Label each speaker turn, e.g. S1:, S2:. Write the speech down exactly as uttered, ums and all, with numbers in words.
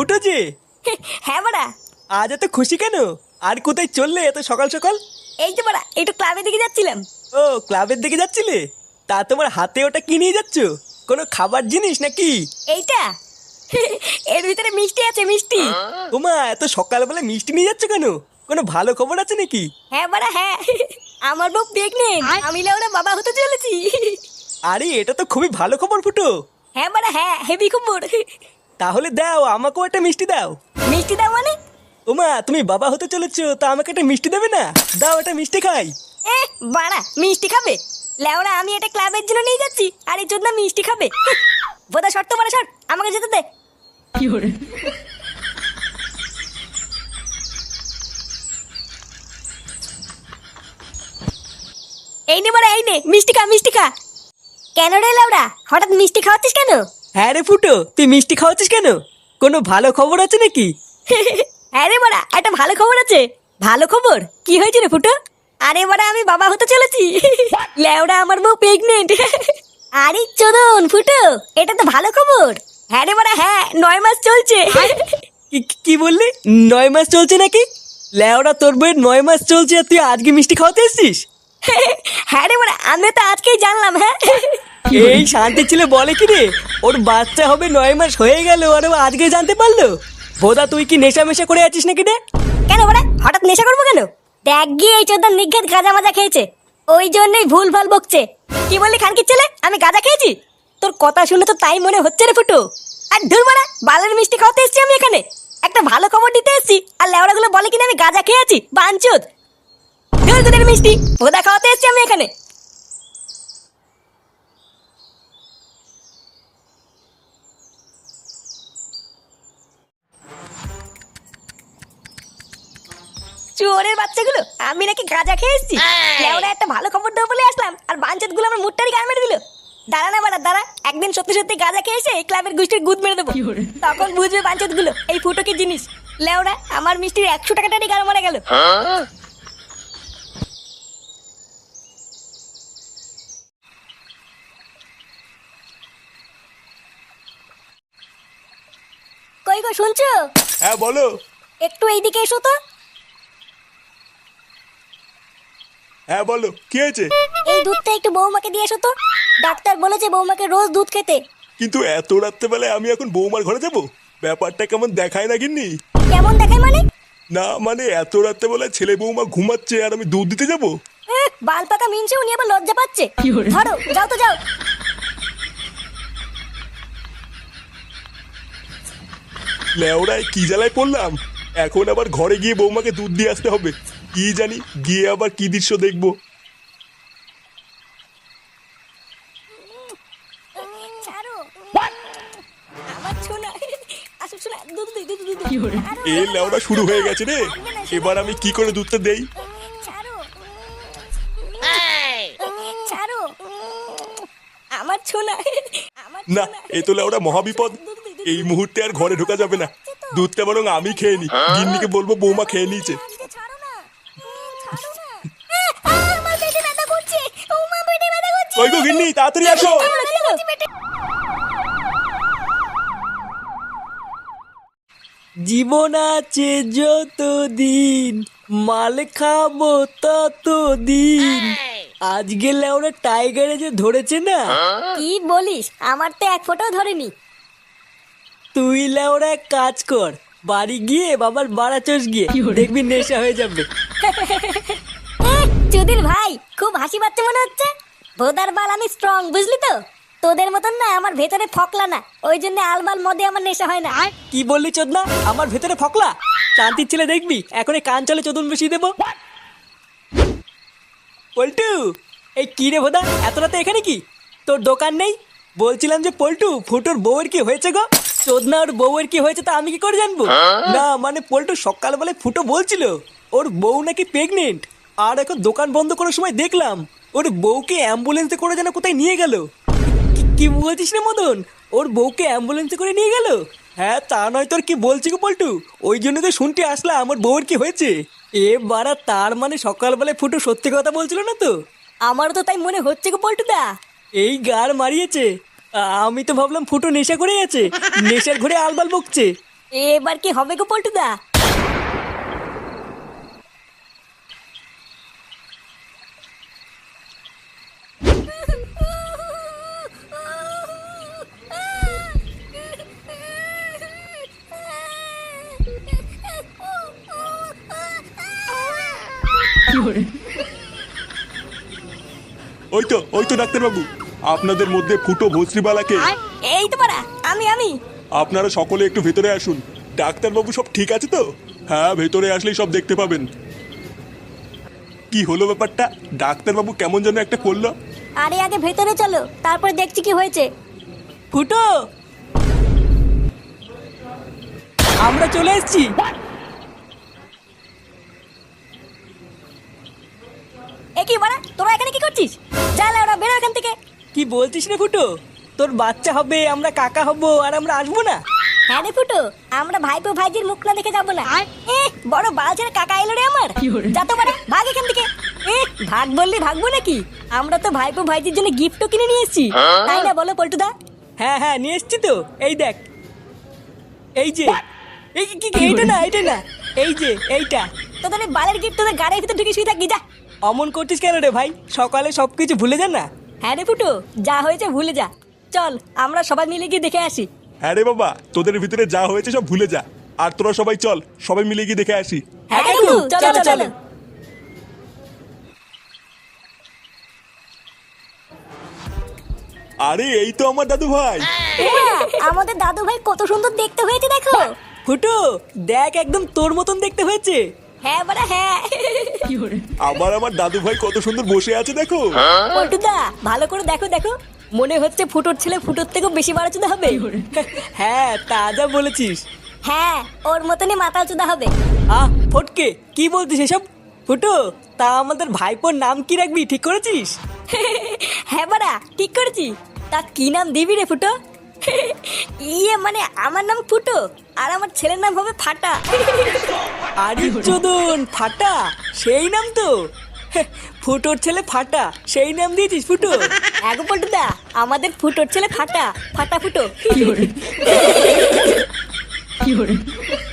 S1: ফুটো যে।
S2: হ্যাঁ বাড়া।
S1: আজ এত খুশি কেন? আর কোথায় চললে এত সকাল সকাল?
S2: এই তো বাড়া একটু ক্লাবের দিকে যাচ্ছিলাম।
S1: ও ক্লাবের দিকে যাচ্ছিলে? তা তোমার হাতে ওটা কি নিয়ে যাচ্ছ? কোনো খাবার জিনিস নাকি?
S2: এইটা এর ভিতরে মিষ্টি আছে, মিষ্টি।
S1: ওমা, এত সকালবেলা মিষ্টি নিয়ে যাচ্ছ কেন? কোনো ভালো খবর আছে নাকি?
S2: হ্যাঁ বাড়া হ্যাঁ, আমার বউ প্রেগনেন্ট, আমি লেওড়া বাবা হতে চলেছি।
S1: আরে এটা তো খুবই ভালো খবর ফুটো।
S2: হ্যাঁ বাড়া হ্যাঁ, হেভি খবর।
S1: তাহলে দাও, আমাকেও একটা মিষ্টি দাও।
S2: মিষ্টি দাও মানে?
S1: ওমা, তুমি বাবা হতে চলেছো, তা আমাকে একটা মিষ্টি দেবে না? দাও, একটা মিষ্টি খাই।
S2: এ বাড়া মিষ্টি খাবে? লেওড়া আমি এটা ক্লাবের জন্য নিয়ে যাচ্ছি, আর এই জন্য মিষ্টি খাবে? বোধা শর্ত বাড়া শর্ট, আমাকে যেতে দে।
S3: কি হরে
S2: এই নে বাড়া, এই নে মিষ্টি খা, মিষ্টি খা। কেন রে লেওড়া, হঠাৎ মিষ্টি খাওয়াচ্ছিস কেন?
S1: হ্যাঁ রে ফুটো, তুই মিষ্টি খাওয়াচ্ছিস কেন? কোনো ভালো খবর আছে নাকি?
S2: হ্যাঁ রে বাড়া, একটা ভালো খবর আছে। ভালো খবর? কি হয়েছে রে ফুটো? আরে বাড়া আমি বাবা হতে চলেছি। লেওড়া আমার বউ প্রেগনেন্ট। আরে চোদন ফুটো, এটা তো ভালো খবর। হ্যাঁ রে বাড়া হ্যাঁ, নয় মাস চলছে।
S1: কি- কি বললি? নয় মাস চলছে নাকি? লেওড়া, তোর বইয়ের নয় মাস চলছে আর তুই আজকে মিষ্টি খাওয়াতে এসছিস?
S2: হ্যাঁ রে বাড়া, আমি তো আজকেই জানলাম। হ্যাঁ
S1: এই শান্তি ছিল বলে কি রে, ওর বাচ্চা হবে নয় মাস হয়ে গেল আর ও আজকে জানতে পারলো? বোধা তুই কি নেশা মেশা করে আছিস নাকি রে?
S2: কেন বাড়া হঠাৎ নেশা করবো কেন? দেখ গিয়ে এই চোদন নিঘাত গাঁজা মাজা খেয়েছে, ওই জন্যই ভুল ভাল বকছে। কি বললি খানকির ছেলে, আমি গাঁজা খেয়েছি? তোর কথা শুনে তো তাই মনে হচ্ছে রে ফুটো। আর ধুর মারা, বালের মিষ্টি খাওয়াতে এসেছি আমি এখানে, একটা ভালো খবর দিতে এসেছি, আর লেওড়া গুলো বলে কিনা আমি গাঁজা খেয়েছি। বাঞ্চুদ ধুর তোদের মিষ্টি, ভোদা খাওয়াতে এসেছি আমি এখানে। চোরের বাচ্চাগুলো, আমি নাকি গাঁজা খেয়ে এসেছি? লেওড়া একটা ভালো খবর দেবো বলে আসলাম, আর বাঞ্চুদ গুলো আমার মুটটারি গান মেরে দিল। দাঁড়া না বাড়া দাঁড়া, একদিন সত্যি সত্যি গাঁজা খেয়ে এসে এই ক্লাবের গোষ্ঠীর গুদ মেরে দেবো, তখন বুঝবে বাঞ্চুদ গুলো এই ফুটো কি জিনিস। লেওড়া আমার মিষ্টির একশো টাকাটারই গান মারা গেল। কই গো শুনছো?
S1: হ্যাঁ বলো।
S2: একটু এইদিকে এসো তো।
S1: হ্যাঁ বলো, কি হয়েছে?
S2: এই দুধটা একটু বৌমাকে দিয়ে এসো তো, ডাক্তার বলেছে বৌমাকে রোজ দুধ খেতে।
S4: কিন্তু এত রাত্রেবেলায় আমি এখন বৌমার ঘরে যাব? ব্যাপারটা কেমন দেখায় না গিন্নি?
S2: কেমন দেখায় মানে?
S4: না মানে এত রাত্রেবেলায় ছেলে বৌমা ঘুমাচ্ছে আর আমি দুধ দিতে যাব?
S2: এহ, বাল পাকা মিনছে, উনি আবার লজ্জা পাচ্ছে।
S3: কি বলে?
S2: ধরো যাও তো যাও।
S4: লেওড়ায় কি জ্বালায় পড়লাম, এখন আবার ঘরে গিয়ে বৌমাকে দুধ দিয়ে আসতে হবে। কি জানি গিয়ে আবার কি দৃশ্য দেখবো।
S2: ছাড়ো আমার সোনা, আসো সোনা, দুধ দিই, দুধ দুধ
S3: কি হলো?
S4: এ লেওড়া শুরু হয়ে গেছে রে, এবার আমি কি করে দুধটা দেই?
S2: ছাড়ো ছাড়ো আমার সোনা, আমার
S4: না,
S2: সোনা।
S4: এ তো লেওড়া মহাবিপদ।
S2: দুধ দিই, দুধ
S4: এই
S2: দিই।
S4: মুহূর্তে আর ঘরে ঢোকা যাবে না। দুধটা বরং আমি খেয়ে নি, গিন্নিকে বলবো বৌমা খেয়ে নিয়েছে।
S2: আজকে ছাড়ো না, ছাড়ো না। আহ, আহ, আমার পেটে ব্যথা করছে, ও মা পেটে ব্যথা করছে।
S4: কই গো গিন্নি, তাড়াতাড়ি আসো।
S2: ব্যথা করছে পেটে।
S1: জীবন আছে যতদিন, মাল খাবো ততদিন। আজকে লেওরা টাইগারে যে ধরেছে না,
S2: কি বলিস? আমার তো এক ফোঁটাও ধরেনি।
S1: তুই লেওরা এক কাজ কর, বাড়ি গিয়ে বাবার বাড়া চোষ গিয়ে
S3: কি হলো?
S1: দেখবি নেশা হয়ে যাবে।
S2: চুদির ভাই খুব হাসি পাচ্ছে মনে হচ্ছে। ভোদার বাল আমি স্ট্রং, বুঝলি তো? তোদের মতন না আমার ভেতরে ফকলা না, ওই জন্য আলবাল মদে আমার নেশা হয় না।
S1: কি বললি চোদনা? আমার ভেতরে ফকলা? শান্তির ছেলে দেখবি এখন এই কান চলে চোদন বসিয়ে দেবো। পল্টু, এই কি রে ভোদা, এত রাতে এখানে কি? তোর দোকান নেই? বলছিলাম যে পল্টু, ফুটোর বউয়ের কি হয়েছে গো? চোদনা, ওর বউয়ের কি হয়েছে তা আমি কি করে জানবো? না মানে পল্টু সকালবেলায় ফুটো বলছিল ওর বউ নাকি প্রেগনেন্ট, আর এখন দোকান বন্ধ করার সময় দেখলাম ওর বউকে অ্যাম্বুলেন্সে করে যেন কোথায় নিয়ে গেল। কি- কি বলছিস রে মদন, ওর বউকে অ্যাম্বুলেন্সে করে নিয়ে গেল? হ্যাঁ তা নয় তোর কি বলছি গো পল্টু, ওই জন্য তো শুনতে আসলাম আমার বউয়ের কি হয়েছে। এ বাড়া, তার মানে সকালবেলায় ফুটো সত্যি কথা বলছিল না তো?
S2: আমারও তো তাই মনে হচ্ছে গো পল্টুদা।
S1: এই গার মারিয়েছে। আ- আমি তো ভাবলাম ফুটো নেশা করে আছে, নেশার ঘরে আলবাল বকছে।
S2: এবার কি হবে গো পল্টুদা?
S4: ওই তো ওই তো ডাক্তারবাবু, আপনাদের মধ্যে ফুটো ভস্রিবালাকে।
S2: এই তো পারা, আমি আমি
S4: আপনারা সকলে একটু ভেতরে আসুন। ডাক্তারবাবু সব ঠিক আছে তো? হ্যাঁ, ভেতরে আসলেই সব দেখতে পাবেন। কি হলো ব্যাপারটা? ডাক্তারবাবু কেমন যেন একটা করলো।
S2: আরে আগে ভেতরে চলো, তারপর দেখছি কি হয়েছে।
S1: ফুটো, আমরা চলে এসেছি।
S2: এ কি বাড়া, তোরা এখানে কি করছিস? যা ওরা বেরো এখান থেকে।
S1: কি বলছিস রে ফুটো? তোর বাচ্চা হবে, আমরা কাকা হব, আর আমরা আসবো না?
S2: হ্যাঁ রে ফুটো, আমরা ভাইপো ভাইজির মুখ না দেখে যাবো না। এ বড় বালছের কাকা এলো রে আমার। যা তো বাড়া, ভাগ এখান থেকে। এ ভাগ বললি ভাগবো নাকি? আমরা তো ভাইপো ভাইজির জন্য গিফটও কিনে নিয়ে এসেছি, তাই না বলো পল্টুদা?
S1: হ্যাঁ হ্যাঁ, নিয়ে এসছি তো। এই দেখ, এই যে। এই কি কি- এইটা না, এইটা না, এই যে এইটা।
S2: তোদের এই বালের গিফট তোদের গাড়ির ভিতর ঢুকে শুয়ে থাকি, যা।
S1: অমন করছিস কেন রে ভাই? সকালে সবকিছু ভুলে যান না।
S2: হ্যাঁ রে ফুটো, যা হয়েছে ভুলে যা। চল আমরা সবাই মিলে গিয়ে দেখে আসি।
S4: হ্যাঁ রে বাবা, তোদের ভিতরে যা হয়েছে সব ভুলে যা। আর তোরা সবাই চল, সবাই মিলে গিয়ে দেখে আসি।
S2: হ্যাঁ কাকু, চলো চলো।
S4: আরে এই তো আমার দাদু ভাই।
S2: এমা, আমাদের দাদু ভাই কত সুন্দর দেখতে হয়েছে দেখো।
S1: ফুটো দেখ, একদম তোর মতন দেখতে হয়েছে।
S2: হ্যাঁ বাড়া হ্যাঁ।
S4: আবার আমার দাদু ভাই কত সুন্দর বসে আছে দেখো।
S2: পল্টুদা ভালো করে দেখো দেখো, মনে হচ্ছে ফুটোর ছেলে ফুটোর থেকেও বেশি বাড়াচুদা হবে।
S1: হ্যাঁ, তা যা বলেছিস।
S2: হ্যাঁ, ওর মতনই মাতাল চুদা হবে।
S1: আহ ফটকে, কি বলছিস এসব? ফুটো, তা আমাদের ভাইপোর নাম কি রাখবি ঠিক করেছিস?
S2: হ্যাঁ বাড়া ঠিক করেছি। তা কি নাম দিবি রে ফুটো? ইয়ে মানে আমার নাম ফুটো, আর আমার ছেলের নাম হবে ফাটা।
S1: আরে চোদন, ফাটা সেই নাম তো। ফুটোর ছেলে ফাটা, সেই নাম দিয়েছিস ফুটো?
S2: এগো পল্টুদা, আমাদের ফুটোর ছেলে ফাটা, ফাটা ফুটো।